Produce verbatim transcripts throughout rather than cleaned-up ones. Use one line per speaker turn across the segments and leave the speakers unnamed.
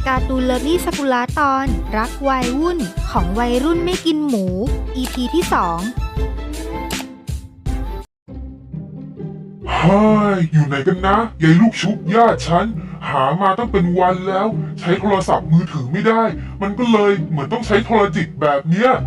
การ์ตูนเลิฟลี่สกุลาตอนรักวัยวุ่นของวัยรุ่นไม่กินหมู อี พี ที่สอง
เฮ้ยอยู่ไหนกันนะยายลูกชุบญาติฉันหามาตั้งเป็นวันแล้วใช้โทรศัพท์มือถือไม่ได้มันก็เลยเหมือนต้องใช้โทรจิตแบบเนี้ย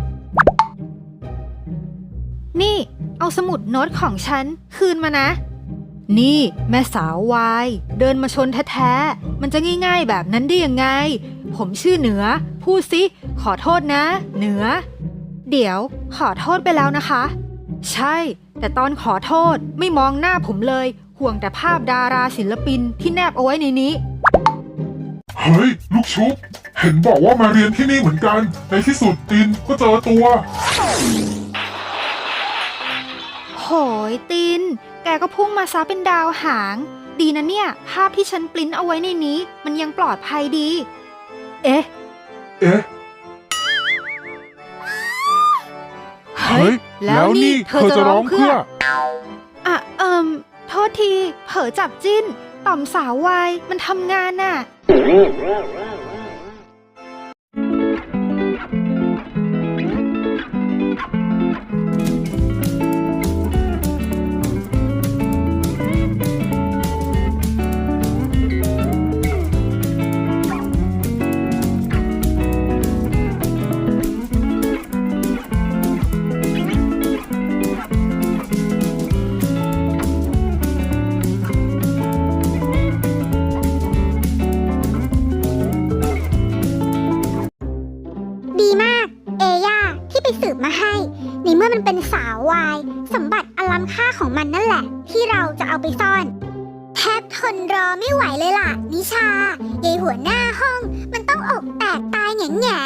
นี่เอาสมุดโน้ตของฉันคืนมานะนี่แม่สาววายเดินมาชนแท้ๆมันจะง่ายๆแบบนั้นได้ยังไงผมชื่อเหนือพูดสิขอโทษนะเหนือเดี๋ยวขอโทษไปแล้วนะคะใช่แต่ตอนขอโทษไม่มองหน้าผมเลยห่วงแต่ภาพดาราศิลปินที่แนบเอาไว้ในนี้
เฮ้ยลูกชุบเห็นบอกว่ามาเรียนที่นี่เหมือนกันในที่สุดตินก็เจอตัว
โหยตินแกก็พุ่งมาซะเป็นดาวหางดีนะเนี่ยภาพที่ฉันปริ้นเอาไว้ในนี้มันยังปลอดภัยดีเอ๊ะ
เอ๊ะเฮ้ยแล้วนี่เธอจะร้องเพื่อ
อ่ะเอิมโทษทีเผลอจับจิ้นต่อมสาววายมันทำงานน่ะ
สืบมาให้ในเมื่อมันเป็นสาววายสมบัติอันล้ำค่าของมันนั่นแหละที่เราจะเอาไปซ่อนแทบทนรอไม่ไหวเลยล่ะนิชายายหัวหน้าห้องมันต้องอกแตกตายแง่แง่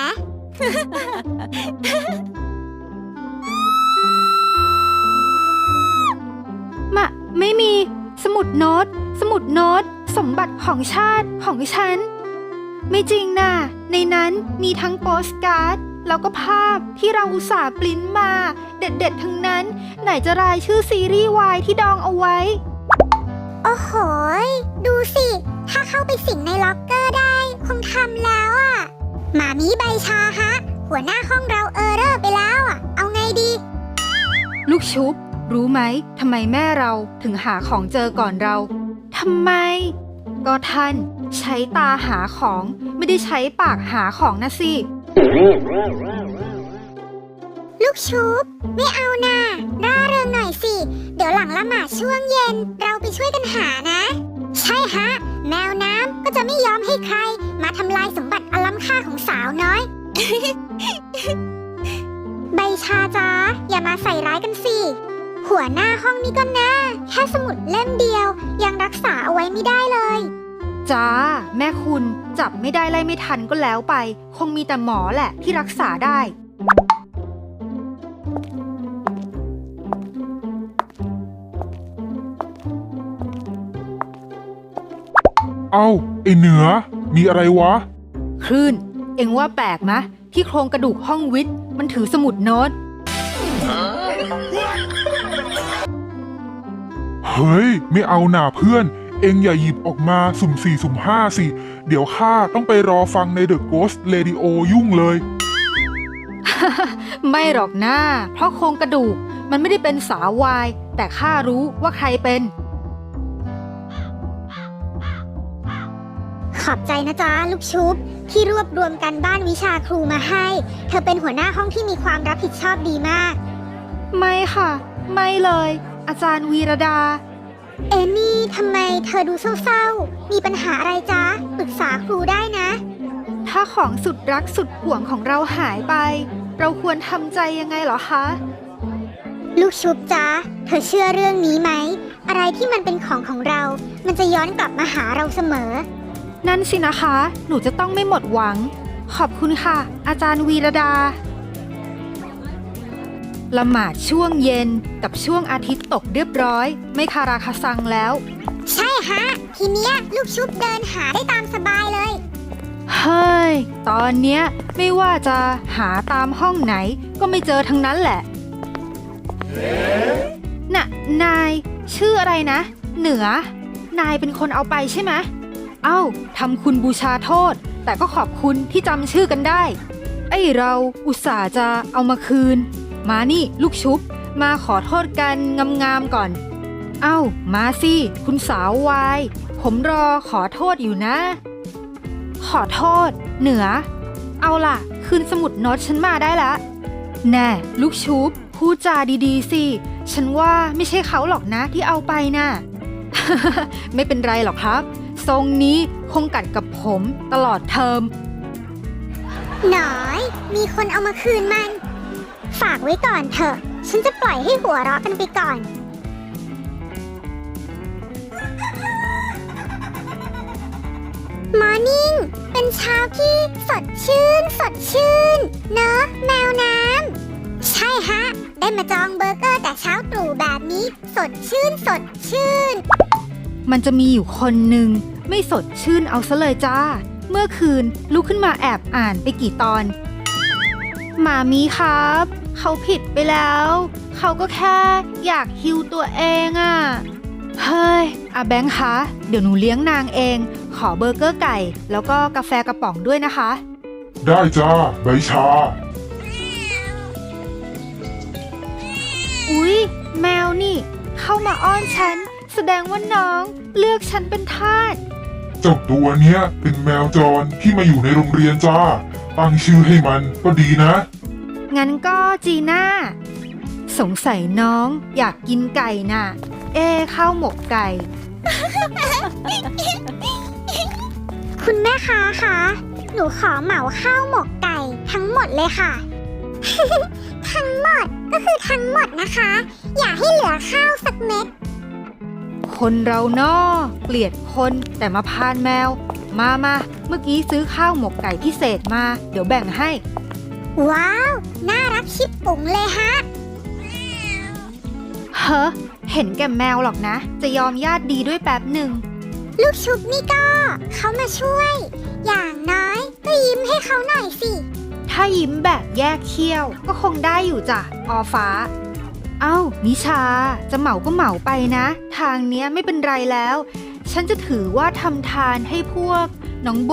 มะไม่มีสมุดโน้ตสมุดโน้ตสมบัติของชาติของฉันไม่จริงน่ะในนั้นมีทั้งโปสการ์ดแล้วก็ภาพที่เราอุตส่าห์ปริ้นมาเด็ดๆทั้งนั้นไหนจะรายชื่อซีรีส์วายที่ดองเอาไว้
โอ้โหดูสิถ้าเข้าไปสิงในล็อกเกอร์ได้คงทำแล้วอ่ะหมามีใบชาฮะหัวหน้าห้องเราเออเรอร์ไปแล้วอ่ะเอาไงดี
ลูกชุบรู้ไหมทำไมแม่เราถึงหาของเจอก่อนเราทำไมก็ท่านใช้ตาหาของไม่ได้ใช้ปากหาของนะสิ
ลูกชุบไม่เอาน่ะร่าเริงหน่อยสิเดี๋ยวหลังละหมาดช่วงเย็นเราไปช่วยกันหานะใช่ฮะแมวน้ำก็จะไม่ยอมให้ใครมาทำลายสมบัติอันล้ำค่าของสาวน้อย ใบชาจ้าอย่ามาใส่ร้ายกันสิหัวหน้าห้องนี่ก็นะแค่สมุดเล่มเดียวยังรักษาเอาไว้ไม่ได้เลย
จ้าแม่คุณจับไม่ได้ไล่ไม่ทันก็แล้วไปคงมีแต่หมอแหละที่รักษาได้
เอ้าไอเหนือมีอะไรวะ
คลื่นเอ็งว่าแปลกมะที่โครงกระดูกห้องวิทย์มันถือสมุดโน้ต
เฮ้ยไม่เอาหน่าเพื่อนเอ็งอย่าหยิบออกมาสุ่มสี่สุ่มห้าสิเดี๋ยวข้าต้องไปรอฟังใน The Ghost Radio ยุ่งเลย
ไม่หรอกนะ เพราะโครงกระดูกมันไม่ได้เป็นสาววายแต่ข้ารู้ว่าใครเป็น
ขอบใจนะจ๊ะลูกชุบที่รวบรวมกันบ้านวิชาครูมาให้เธอเป็นหัวหน้าห้องที่มีความรับผิดชอบดีมาก
ไม่ค่ะไม่เลยอาจารย์วีรดา
เอมี่ทำไมเธอดูเศร้าๆมีปัญหาอะไรจ๊ะปรึกษาครูได้นะ
ถ้าของสุดรักสุดห่วงของเราหายไปเราควรทำใจยังไงเหรอคะ
ลูกชุบจ๊ะเธอเชื่อเรื่องนี้ไหมอะไรที่มันเป็นของของเรามันจะย้อนกลับมาหาเราเสมอ
นั่นสินะคะหนูจะต้องไม่หมดหวังขอบคุณค่ะอาจารย์วีรดาละหมาดช่วงเย็นกับช่วงอาทิตย์ตกเรียบร้อยไม่คาราคาซังแล้ว
ใช่ฮะทีเนี้ยลูกชุบเดินหาได้ตามสบายเลย
เฮ้ยตอนเนี้ยไม่ว่าจะหาตามห้องไหนก็ไม่เจอทั้งนั้นแหละน่ะนายชื่ออะไรนะเหนือนายเป็นคนเอาไปใช่ไหมเอ้าทำคุณบูชาโทษแต่ก็ขอบคุณที่จำชื่อกันได้ ไอ้เราอุตส่าห์จะเอามาคืน มานี่ลูกชุบ มาขอโทษกันงามๆก่อน เอ้ามาสิคุณสาววาย ผมรอขอโทษอยู่นะ ขอโทษ เหนือ เอาล่ะ คืนสมุดโน้ตฉันมาได้ละแน่ลูกชุบพูดจาดีๆสิฉันว่าไม่ใช่เขาหรอกนะที่เอาไปน่ะ ไม่เป็นไรหรอกครับ ทรงนี้คงกัดกับผมตลอดเทอม
หน่อย มีคนเอามาคืนมัน ฝากไว้ก่อนเถอะ ฉันจะปล่อยให้หัวเราะกันไปก่อน มอร์นิ่ง เป็นเช้าที่สดชื่น สดชื่น เนอะแมวน้ำ ใช่ฮะ ได้มาจองเบอร์เกอร์แต่เช้าตรู่แบบนี้ สดชื่น สดชื่น
มันจะมีอยู่คนหนึ่งไม่สดชื่นเอาซะเลยจ้า เมื่อคืนลุกขึ้นมาแอบอ่านไปกี่ตอนหมามีครับ เขาผิดไปแล้ว เขาก็แค่อยากฮิวตัวเองอะ่ะ เฮ้ยอาแบงค์คะ เดี๋ยวหนูเลี้ยงนางเอง ขอเบอร์เกอร์ไก่ แล้วก็กาแฟกระป๋องด้วยนะคะ
ได้จ้าใบชา
อุ๊ย แมวนี่ เข้ามาอ้อนฉัน แสดงว่าน้องเลือกฉันเป็นทาส
เจ้าตัวเนี้ยเป็นแมวจรที่มาอยู่ในโรงเรียนจ้า ตั้งชื่อให้มันก็ดีนะ
งั้นก็จีน่า สงสัยน้องอยากกินไก่น่ะ เอ้ข้าวหมกไก่
คุณแม่ค้าคะ หนูขอเหมาข้าวหมกไก่ทั้งหมดเลยค่ะ ทั้งหมดก็คือทั้งหมดนะคะ อย่าให้เหลือข้าวสักเม็ด
คนเรานอเกลียดคนแต่มาพานแมว มามาเมื่อกี้ซื้อข้าวหมกไก่พิเศษมา เดี๋ยวแบ่งให้
ว้าว น่ารักชิบปุ๋งเลยฮะ
เฮ้อเห็นแก่แมวหรอกนะ จะยอมญาติดีด้วยแป๊บหนึ่ง
ลูกชุบนี่ก็เขามาช่วย อย่างน้อยก็ยิ้มให้เขาหน่อยสิ
ถ้ายิ้มแบบแยกเขี้ยวก็คงได้อยู่จ้ะออฟ้า เอ้านิชา จะเหมาก็เหมาไปนะ ทางเนี้ยไม่เป็นไรแล้ว ฉันจะถือว่าทำทานให้พวกน้องโบ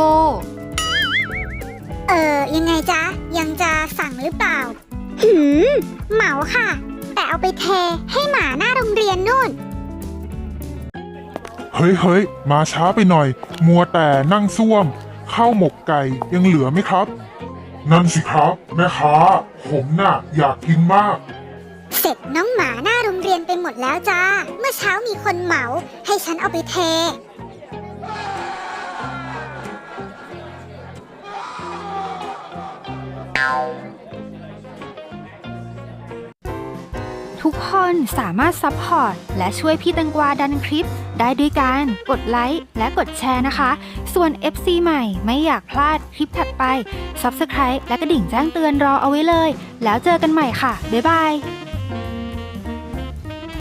เออยังไงจ๊ะ ยังจะสั่งหรือเปล่า หืม เหมาค่ะ แต่เอาไปเทให้หมาหน้าโรงเรียนนู่น
เฮ้ยเฮ้ยมาช้าไปหน่อย มัวแต่นั่งซ่วม ข้าวหมกไก่ยังเหลือไหมครับ นั่นสิครับ แม่ค้า ผมน่ะ อยากกินมาก
เสร็จน้องหมาหน้าโรงเรียนไปหมดแล้วจ้า เมื่อเช้ามีคนเหมา ให้ฉันเอาไปเท
ทุกคนสามารถซัพพอร์ตและช่วยพี่แตงกวาดันคลิป ได้ด้วยการกดไลค์และกดแชร์นะคะ ส่วน เอฟ ซี ใหม่ไม่อยากพลาดคลิปถัดไป ซับสไครบ์ และกระดิ่งแจ้งเตือนรอเอาไว้เลย แล้วเจอกันใหม่ค่ะ บ๊ายบาย